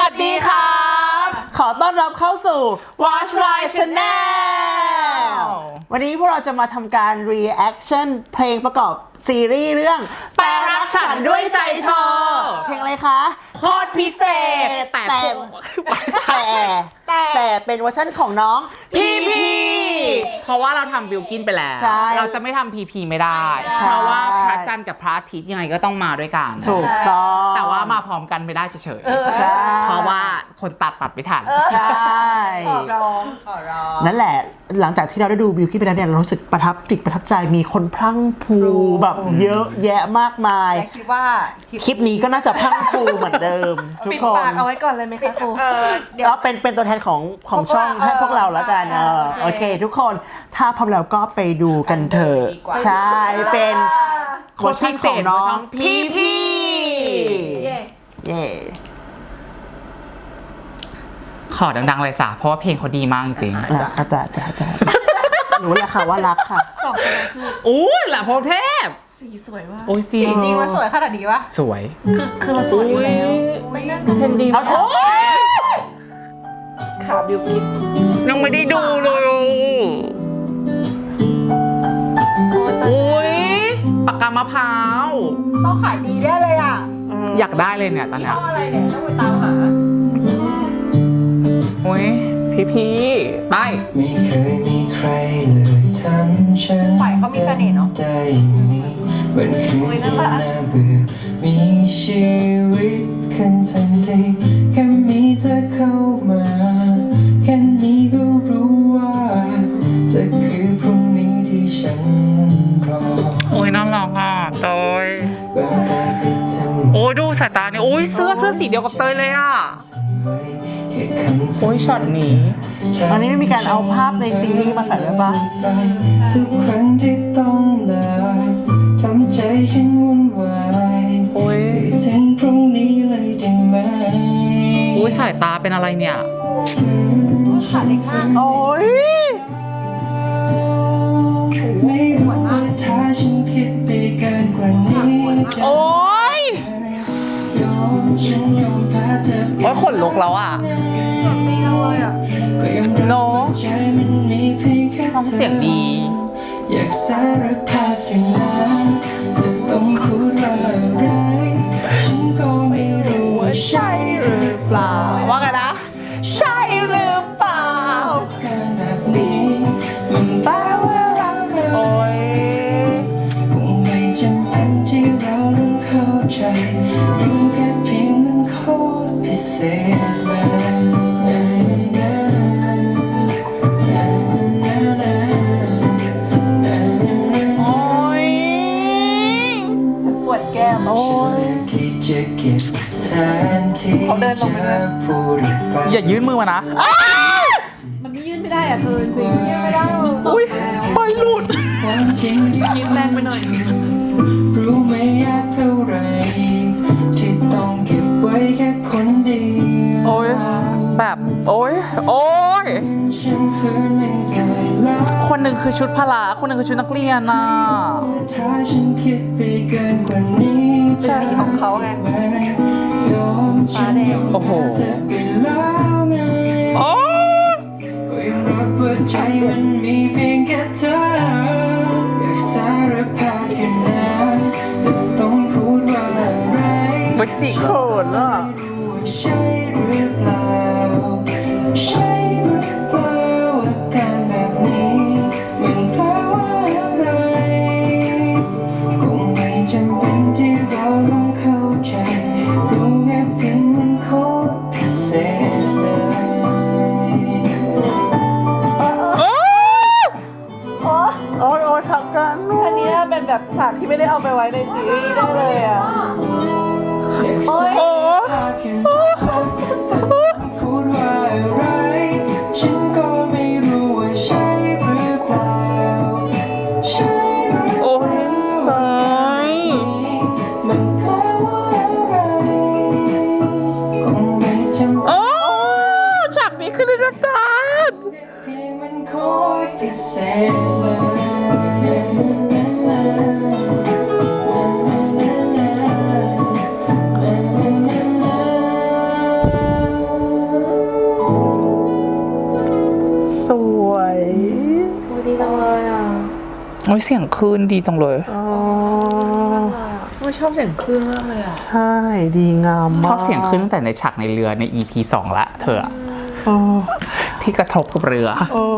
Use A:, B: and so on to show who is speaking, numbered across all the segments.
A: สดีครับขอต้อนรับเข้าสู่ Watch My Channel วันนี้พวกเราจะมาทำการ reaction เพลงประกอบซีรีส์เรื่องแปลรักฉันด้วยใจเธอเพลงอะไรคะโคตรพิเศษแต่เป็นเวอร์ชันของน้องพีพี
B: เพราะว่าเราทำบิลกินไปแล้วเราจะไม่ทำพีพีไม่ได้เพราะว่าพระจันทร์กับพระอาทิตย์ยังไงก็ต้องมาด้วยกัน
A: ถูกต้อง
B: แต่ว่ามาพร้อมกันไม่ได้เฉยๆเพราะว่าคนตัดไม่ทัน
A: ใช่
C: ขอร้อง
A: นั่นแหละหลังจากที่เราได้ดูบิลกิ้นไปแล้วเนี่ยเรารู้สึกประทับใจมีคนพรั่งพรูแบบเยอะแยะมากมาย
C: คิดว่า
A: คลิปนี้ก็น่าจะพรั่งพรูเหมือนเดิมทุกคน
C: ปิดปากเอาไว้ก่อนเลยไหมคะครู
A: เดี๋ยวเป็นตัวแทนของช่องให้พวกเราแล้วกันโอเคทุกคนถ้าพร้อมแล้วก็ไปดูกันเถอะใช่เป็นเวอร์ชันของน้องพีเย่
B: ขอดังๆเลยจ้ะเพราะว่าเพลงเขาดีมากจริง
A: จ้ารู้แล้วค่ะว่ารักค่ะ
C: 2 คนคือ
B: อู้หล่ะพรเทพ
C: สีสวยมาก
B: โอ้ย
C: สีจริงมันสวยขนาดนี้วะ
B: สวย
C: คือมันสวยอยู่แล้วไม่น่าจะเป็นดี
A: เอาเถอะ
C: ขาบิวกิ้น
B: ยังไม่ได้ดูเลยอุ้ยปากกามะพร้าว
C: ต้องขายดีได้เลยอ่ะ
B: อยากได้เลยเนี่ยตอนเนี้ย
C: อะไรเนี่ยต้องไปตามหา
B: อุ้ยพีไป
D: ไม่เคยมีใครเลยทำฉัน
C: ฝ่ายเขามีเสน่ห์เนาะ
D: ได้นี้วันคืนที่น่าเบื่อมีชีวิตขึ้นทันทีแค่มีเธอเข้ามาแค่นี้ก็รู้ว่าจะคือพรุ่งนี้ที่ฉันรอ
B: โอ้ยน่ารักอ่ะเตยโอ้ยดูสายตาเนี่ยโอ้ยเสื้อสีเดียวกับเตยเลยอ่ะโอ้ยช็อตนี้
A: อันนี้ไม่มีการเอาภาพในซีรีส์มาใส่เลยป่ะ
D: ทุกครั้งที่ต้องลาทำใจฉันวุ่นวาย
B: โอ้ย
D: ถึงพรุ่งนี้เลยได้ไหม
B: โอ้ยสายตาเป็นอะไรเนี่ย
C: ขาเล็กมาก
A: โอ้ย
D: ไม่รู้ว่าถ้าฉันคิดไปเกินกว่านี้
B: โอ้ยโอ้ยขนลุกแล้วอ่ะโน้น้องเสียงดี
D: อยากสารภาพอย่างนั้นแต่ต้องพูดว่าอะไรฉันก็ไม่รู้ว่าใช่หรือเปล่า
B: ว่าไงนะใช่หรือเปล่า
D: การแบบนี้มันแปลว่าอะไร
B: โอ้ย
D: คงไม่จำเป็นที่เราต้องเข้าใจรู้แค่เพียงนั้นโคตรพิเศษ
C: เขาเดินลงไป
B: อย่ายื่นมือมานะ
C: มันไม่ยื่นไม่ได้อ่ะเธอจริงยื่นไม่ได้
B: อุ้ยไปหลุด
C: ยื่นแรงไปหน่อย
D: รู้ไม่ยากเท่าไรที่ต้องเก็บไว้แค่คนเดียว
B: โอ้ยแบบโอ้ยคนหนึ่งคือชุดพละคนหนึ่งคือชุดนักเรียนน่ะ
D: ถ้าฉันคิดไปเกินกว่านี้
C: เป็นสีของเขาไงฟ้าแดง
B: โอ้โหโอ้
D: ก็ยังรักว่าใจมันมีเพียงแค่เธออยากสารภาพแค่นั้นแต่ต้องพูดว่าอะไร
B: วัจิโขนอ่ะ
D: ใช่หรือเปล่าใช่หรือเปล่าอาการแบบนี้มันแปลว่าอะไรคงไม่จำเป็นที่เราต้องเข้าใจรู้แค่เพียงมันโคตรพิเศษ
A: โอ้ยทำกัน
C: อันนี้เป็นแบบฉากที่ไม่ได้เอาไปไว้ในซีรีส์ได้เลยอ่ะ
D: โอ้ย
B: ยเสียงคลื่นดีจังเลย
C: ไม่ชอบเสียงคลื่นมากเลยอ่ะ
A: ใช่ดีงามมาก
B: ชอบเสียงคลื่นตั้งแต่ในฉากในเรือใน EP 2 ละเธอที่กระทบกับเรือ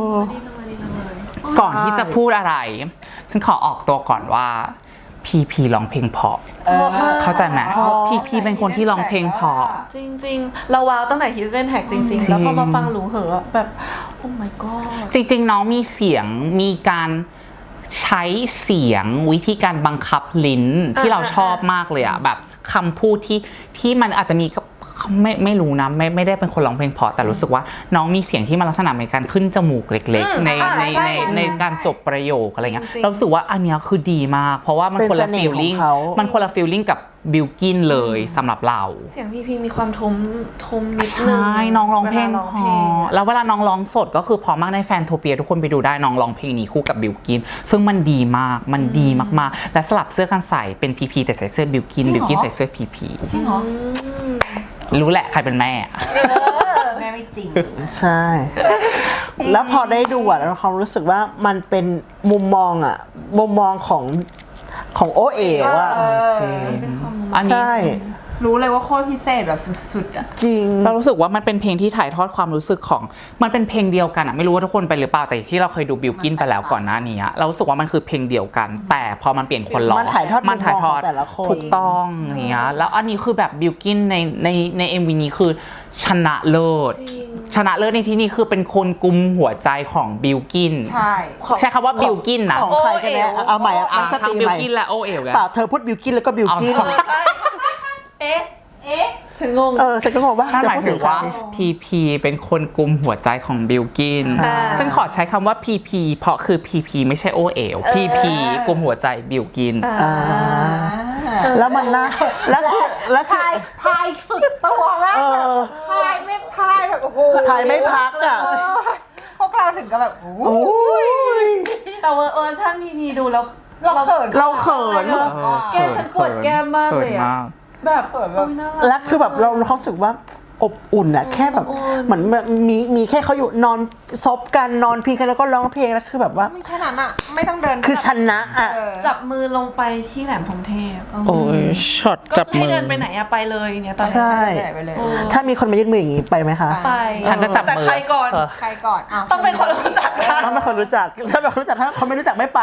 B: ก่อนที่จะพูดอะไร ฉันขอออกตัวก่อนว่าพีร้องเพลงเพราะเข้าใจไหมพีเป็นคนที่ร้องเพลงเพราะ
C: จริงๆ เราว้าวตั้งแต่ Hidden Tag จริงๆ แล้วพอมาฟังหลูเหอะแบบ โอ้ my god
B: จริงๆน้องมีเสียงมีการใช้เสียงวิธีการบังคับลิ้นที่เราชอบมากเลยอะแบบคำพูดที่มันอาจจะมีไม่รู้นะไม่ได้เป็นคนร้องเพลงเพราะแต่รู้สึกว่าน้องมีเสียงที่มันลักษณะเป็นการขึ้นจมูกเล็กๆในการจบประโยคอะไรเงี้ยเรารู้สึกว่าอันเนี้ยคือดีมากเพราะว่ามันคนละฟีลลิ่งมันคนละฟีลลิ่งกับบิลกินเลยสำหรับเรา
C: เสียงพีมีความทมนิดนึง
B: ใช่น้องร้องเพลงพอแล้วเวลาน้องร้องสดก็คือพอมากในแฟนโทเปียทุกคนไปดูได้น้องร้องเพลงนี้คู่กับบิลกินซึ่งมันดีมากมันดีมากๆและสลับเสื้อกันใส่เป็นพีแต่ใส่เสื้อบิลกินใส่เสื้อพี
C: จริงเหรอ
B: รู้แหละใครเป็นแม่
C: แม่ไม่จริง
A: ใช่ แล้วพอได้ดูอ่ะเราความรู้สึกว่ามันเป็นมุมมองของโอเอ๋วอ่ะ
B: จริงอันนี้
A: ใช่
C: รู้เลยว่าโคตรพิเศษแบบสุดๆอ่ะ
A: จริง
B: เรารู้สึกว่ามันเป็นเพลงที่ถ่ายทอดความรู้สึกของมันเป็นเพลงเดียวกันอะไม่รู้ว่าทุกคนไปหรือเปล่าแต่ที่เราเคยดูบิลกินไปแล้วก่อนหน้านี้เรารู้สึกว่ามันคือเพลงเดียวกัน แต่พอมันเปลี่ยนคนร้อง
A: มันถ่ายทอดมุมมองของแต่ละคน
B: ถูกต้องอย่างเงี้ยแล้วอันนี้คือแบบบิลกินใน MV นี้คือชนะเลิศชนะเลิศในที่นี้คือเป็นคนกุมหัวใจของบิลกิน
C: ใช่
B: ใช้คำว่าบิลกินนะ
A: ของใครกันแน่เอาใหม่อ่ะตั้งส
B: ทั้
A: ติ
B: งบิ
A: ให
B: ล
A: ม่
B: กินและโอเอ๋ว
A: เปล่าเธอพูดบิวกินแล้วก็บิวกิน
C: เอ๊ะฉันงง
A: ฉันก็งงว่า
B: ถ้า
A: จะ
B: หมาย
A: พูด
B: ถึ
A: ถึ
B: ง
A: งใคร
B: ว่าพีเป็นคนกุมหัวใจของบิลกินฉันขอใช้คำว่าพีเพราะคือพีไม่ใช่โอเอ๋วพีกุมหัวใจบิลกิน
A: แล้วมันน่าแล้วคือ
C: พายสุดตัวมากพายไม่พายแบบโอ้โห
A: ถ่ายไม่พักอ่ะ
C: พวกเราถึงกับแบบโอ้โห
A: โอ้ย
C: แต่เวอร์ชันพีดูแล้วเราเขิน
A: เราเขิน
C: แกฉันปวดแก้มมากเลยอะแบบโอ้ยน่ารัก
A: แล้วคือแบบเราความรู้สึกว่าอบอุ่นอะแค่แบบเหมือนมีแค่เขาอยู่นอนซบกันนอนพิงกันแล้วก็ร้องเพลงแล้วคือแบบว่า
C: ไม่แค่นั้นอะไม่ต้องเดิน
A: คือชนะอะ
C: จับมือลงไปที่แหลมพรหมเทพ
B: โอ้ยช็อต
C: ก็
B: จับ
C: ให้
B: มือ
C: เดินไปไหนอะไปเลยเนี่ยตอนนี้
A: ใช่
C: ไปเลย
A: ถ้ามีคนมายื่นมืออย่างนี้ไปไหมคะ
C: ไป
B: ฉันจะจับ
C: แต่
B: มือ
C: ใครก่อน
E: ใครก่อนอ้าว
C: ต้องเป็นคนรู้จักนะ
A: ถ้าไม่คนรู้จักถ้าไม่คนรู้จักถ้าเขาไม่รู้จักไม่ไป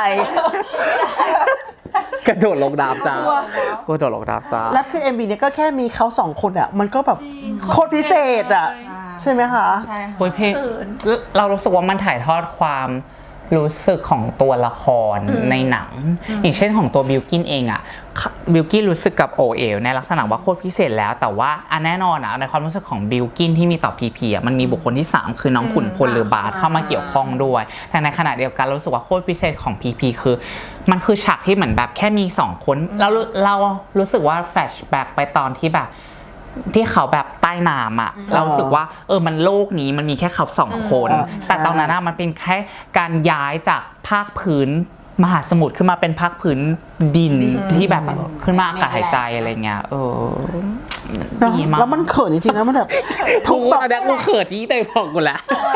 B: กระโดดลงน้ำจ้ากระโดดลงน้ำจ้า
A: แล้วคือ MV เนี่ยก็แค่มีเขาสองคนอะมันก็แบบโคตรพิเศษอะใช่ไหมคะ
E: ใช่ค่ะ
B: โอ้ยเพลงเรารู้สึกว่ามันถ่ายทอดความรู้สึกของตัวละครในหนัง อย่างเช่นของตัวบิลกินเองอะบิลกินรู้สึกกับโอเอ๋วในลักษณะว่าโคตรพิเศษแล้วแต่ว่าแน่นอนอะในความรู้สึกของบิลกินที่มีต่อพีอะมันมีบุคคลที่ 3 คือน้องขุนพลหรือบาสเข้ามาเกี่ยวข้องด้วยแต่ในขณะเดียวกันเรารู้สึกว่าโคตรพิเศษของพีคือมันคือฉากที่เหมือนแบบแค่มี2คนเรารู้สึกว่าแฟลชแบ็กไปตอนที่แบบที่เขาแบบใต้น้ำอ่ะเรารู้สึกว่ามันโลกนี้มันมีแค่เขา2 คน แต่ตอนนั้นมันเป็นแค่การย้ายจากภาคพื้นมหาสมุทรขึ้นมาเป็นภาคพื้นดินที่แบบขึ้นมาอากาศหายใจอะไรเงี้ยดีมาก
A: แล้วมันเขินจริงๆนะมันแบบ
B: ทุกแบบกูเขินที่เตยบอกกูแล้ว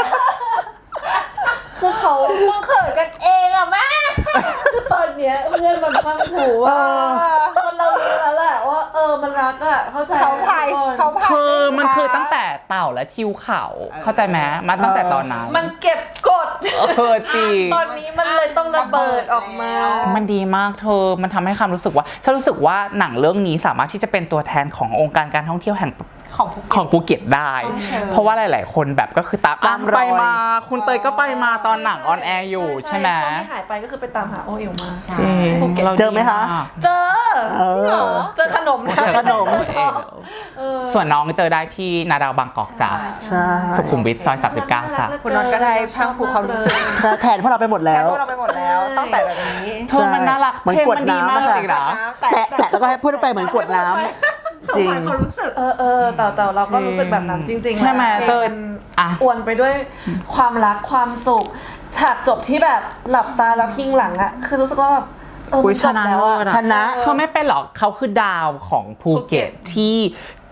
C: คือเขา
E: มึงเขินกันเองอะแม่
C: คือตอนเนี้ยเพื่อนมันฟังหูว่าคนเรารู้แล้วแหละว่ามันรักอะเข้าใจ
E: เขาพายเขาพาย
B: มันคือตั้งแต่เต่าและทิวเขาเข้าใจไหมมันตั้งแต่ตอนนั้น
C: มันเก็บกด
B: จริง
C: ตอนนี้มันเลยต้องระเบิดออกมา
B: มันดีมากมันทำให้ความรู้สึกว่าฉันรู้สึกว่าหนังเรื่องนี้สามารถที่จะเป็นตัวแทนขององค์การการท่องเที่ยวแห่ง
E: ของภูเก็ต
B: ภูเก็ตได้ เพราะว่าหลายๆคนแบบก็คือตามไปมาคุณเตยก็ไปมาตอนหนังออนแอร์อยู่ใช่ไหม
C: ช่วงที่หายไปก็คือไปตามหาโอเอ๋วมา
B: จริง
A: เจอไหมคะ
C: เจอเจอขนมนะ
A: ขนม
B: ส่วนน้องเจอได้ที่นาดาวบางกอกจ้า
A: ใช่
B: สุขุมวิทซอย39จ้า
E: คุณน็อตก็ได้พังผูกความรู้สึก
A: ใช่แทนพวกเราไปหมดแล้ว
E: พวกเราไปหมดแล้วตั้งแต่แบบนี้
B: มันน่ารัก
A: เหมือน
B: เพลง
A: กวด
B: มันดี
A: น้ำ
B: มาก
A: อะค่ะ
B: จริงนะ
A: แตะแล้วก็ให้พูดไปเหมือนกวดน้ำจริง
E: ความรู้สึก
C: แต่เราก็รู้สึกแบบนั้นจริงๆ
B: ใช่ไหม
C: เพลง
B: เตย
C: มันอวนไปด้วยความรักความสุขฉากจบที่แบบหลับตาแล้วพิงหลังอะคือรู้สึกว่าแบบมันจบแล้วอะ
A: ชนะ
B: เขาไม่เป็นหรอกเขาคือดาวของภูเก็ตที่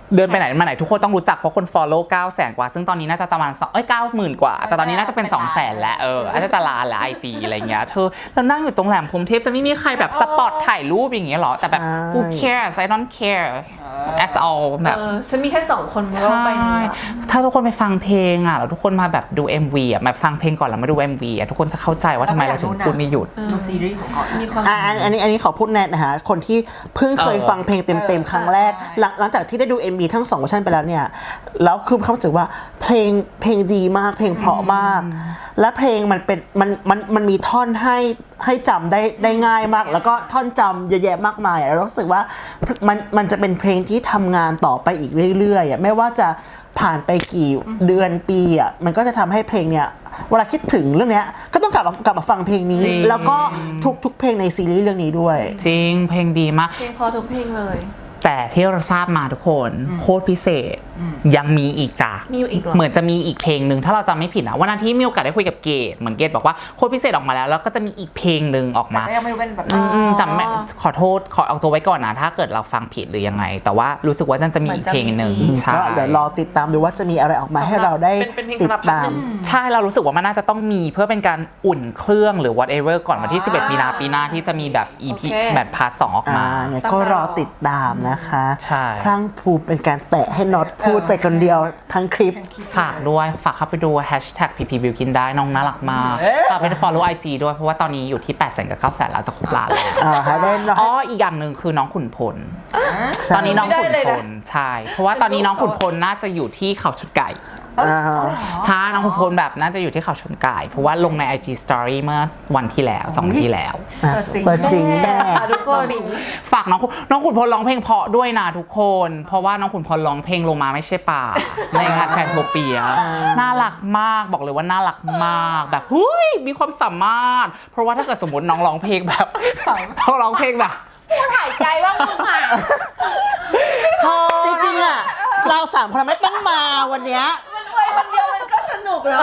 B: เดินไปไหนมาไหนทุกคนต้องรู้จักเพราะคน follow 900,000 กว่าซึ่งตอนนี้น่าจะประมาณ90,000 กว่าแต่ตอนนี้น่าจะเป็น 200,000 แล้วอาจจะล้านแล้ว IG อะไรเงี้ยเธอเรานั่งอยู่ตรงแหลมพรหมเทพจะไม่มีใครแบบสปอตถ่ายรูปอย่างเงี้ยหรอแต่แบบ who cares I don't care at all แบบ
C: ฉันมีแค่2 คนบนโลกใบนี้อะ
B: ถ้าทุกคนไปฟังเพลงแล้วทุกคนมาแบบดู MV มาฟังเพลงก่อนแล้วมาดู MV ทุกคนจะเข้าใจว่าทำไมเราถึงพูดไม่หยุด
E: ดูซีรีส์ของก่อน
C: มีความ
A: อันนี้ขอพูดแน่นะฮะคนที่เพิ่งเคยฟังเพลงเต็มๆครั้งแรกหลังจากที่ได้ดู MV ทั้ง2เวอร์ชันไปแล้วเนี่ยแล้วคือเขารู้สึกว่าเพลงดีมากเพลงเพราะมาก และเพลงมันมีท่อนให้จำได้ง่ายมาก แล้วก็ท่อนจำเยอะแยะมากมายแล้วรู้สึกว่ามันจะเป็นเพลงที่ทำงานต่อไปอีกเรื่อยๆไม่ว่าจะผ่านไปกี่เดือนปีมันก็จะทำให้เพลงเนี่ยเวลาคิดถึงเรื่องเนี้ยก็ต้องกลับมาฟังเพลงนี้
B: จริง
A: แล้วก็ทุกเพลงในซีรีส์เรื่องนี้ด้วย
B: จริงเพลงดีมาก
C: เพลงพอทุกเพลงเลย
B: แต่ที่เราทราบมาทุกคนโคตรพิเศษยังมีอีกจ้ะ
C: มีอยู่อีกเหรอ
B: เหมือนจะมีอีกเพลงหนึ่งถ้าเราจำไม่ผิดนะวันนั้นที่มีโอกาสได้คุยกับเกดเหมือนเกดบอกว่าโคตรพิเศษออกมาแล้วก็จะมีอีกเพลงหนึ่งออก
E: แต่
B: มา
E: ก็ยังไม่รู้เป็นแบบ
B: แต่ไม่ขอโทษขอเอาตัวไว้ก่อนนะถ้าเกิดเราฟังผิดหรือยังไง แต่ว่ารู้สึกว่าน่าจะมีอีกเพลงหนึ่งใช่
A: ก็เดี๋ยวรอติดตามดูว่าจะมีอะไรออกมาให้เราได้
C: เป็นเพลง
A: ติด
C: สำหรับพัก
A: ตา
C: ห
A: ม
C: นึ่ง
B: ใช่เรารู้สึกว่ามันน่าจะต้องมีเพื่อเป็นการอุ่นเครื่องหรือ whatever ก่อนวันที่ 11 มีนาปีหน้าที่จะมีแบบ EP
C: โอเค
B: แบบพาร์ท 2 ออกมา
A: เนี่ยก็รอติดตามนะคะ
B: ใช่
A: พลังภูมิเป็นการแตะให้น็อตพูดไปคนเดียวทั้งคลิป
B: ฝากด้วยฝากเข้าไปดู hashtag ppbilkin ได้น้องน่ารักมากฝากไป follow IG ด้วยเพราะว่าตอนนี้อยู่ที่ 800,000 กับ 900,000 แล้วจะครบล้านแล้ว
A: ให้ได้น้อย
B: อ๋ออีกอย่างหนึ่งคือน้องขุนพล
A: ใช่
B: ตอนนี้น้องขุน
C: ไม่ได้เลย
B: พ
C: นะ
B: ลใช่เพราะว่าตอนนี้น้องขุนพลน่าจะอยู่ที่เขาชนไก่ ใช่น้องขุนพลแบบน่าจะอยู่ที่เขาชนไก่เพราะว่าลงใน IG Story เมื่อวันที่แล้ว2 วันที่แล้ว
A: เปิดจริงแม่
C: ทุกคน
B: ฝากน้องขุนพลร้องเพลงเพราะด้วยนะทุกคน เพราะว่าน้องขุนพลร้องเพลงลงมาไม่ใช่ป่า ในงานแฟนโทเปียน่ารักมากบอกเลยว่าน่ารักมากแบบเฮ้ยมีความสามารถ เพราะว่าถ้าเกิดสมมติน้องร้องเพลงแบบน้องร้องเพลงแบบ
E: หายใจบ้างมึงอ่ะ
A: จริงๆเรา3 คนไม่ต้องมาวันเนี้ย
C: มันไปคนเดียวมันก็สนุกแล้ว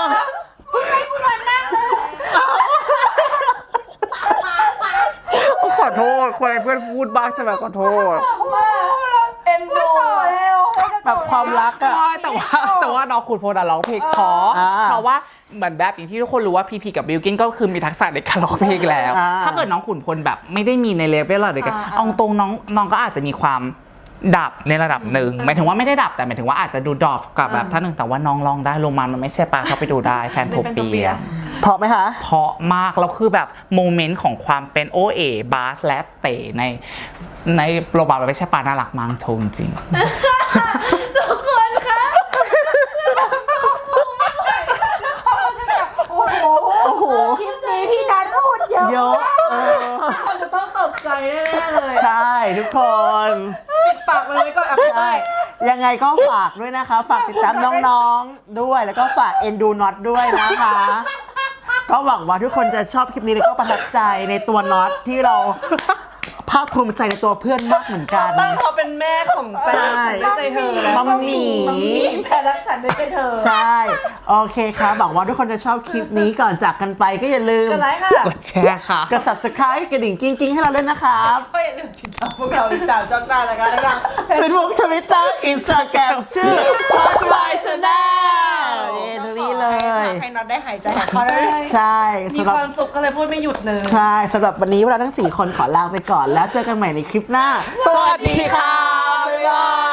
B: ขอโทษคนเพื่อนพูดบ้างใช่ไหมขอโทษ
C: เอ็นดู
A: แบบความรักอะ
B: ใช่แต่ว่าน้องขุนพลร้องเพลงเพราะ
A: อ่า
B: เพราะว่าเหมือนแบบอย่างที่ทุกคนรู้ว่าพีพีกับบิลกินก็คือมีทักษะในการร้องเพลงแล้ว ถ้าเกิดน้องขุนพลแบบไม่ได้มีในเลเวลอะไรกันเอาตรงน้องก็อาจจะมีความดับในระดับหนึ่งหมายถึงว่าไม่ได้ดับแต่หมายถึงว่าอาจจะดูดรอปกับแบบท่านหนึ่งแต่ว่าน้องร้องได้ลงมามันไม่ใช่ปะเข้าไปดูได้แฟนโทเปีย
A: เพราะไหมคะ
B: เพราะมากแล้วคือแบบโมเมนต์ของความเป็นโอเอบาสและเต๋ในโรบาร์ไม่ใช่ปาน่ารักมากทงจริง
C: ทุกคนคะ
A: โอ้โห
E: คลิปนี้พี่นัทพูดเยอะ
A: เยอะ
C: คนจะต้องตกใจแน่ๆเลย
A: ใช่ทุกคน
C: ปิดปากมันไว้ก่อนอ่ะพี่เต้
A: ใช่
C: ย
A: ยังไงก็ฝากด้วยนะคะ ฝากติดตามน้องๆด้วยแล้วก็ฝากเอ็นดูน็อตด้วยนะคะ ก็หวังว่าทุกคนจะชอบคลิปนี้แล้วก็ประทับใจในตัวน็อตที่เราภาคภูมิใจในตัวเพื่อนมากเหมือนกัน
C: ตั้งเขาเป็นแม่ของแฟน
A: ใช่
C: ด้วยใจเธอแล้ว
A: มัมหมี่
C: แพ้รักฉันด้วยใจเธอ
A: ใช่ โอเคครับหวังว่าทุกคนจะชอบคลิปนี้ก่อนจากกันไปก็อย่าลืม
C: กันไลค์ค่ะ
B: กดแชร์ค่ะ
A: กด subscribe กระดิ่งกิ้งๆให้เราด้วยนะครับ
E: ก็อย่าลืมติดตามพวกเราติดตามจ้องหน้ารายการนะคะ
A: เป็นพวกทวิตเตอร์อินสตาแกรมชื่อ Watch My Channel นี่ตรงนี้เลย
E: ให้น็อตได้หายใจหายคอได้
A: ใช่
C: มี
A: สำหรับ
C: ความสุขก็เลยพูดไม่หยุดเลย
A: ใช่สำหรับวันนี้พวกเราทั้ง 4 คนขอลาไปก่อนแล้วเจอกันใหม่ในคลิปหน้า
B: สวัสดีค่ะ
A: บ๊ายบาย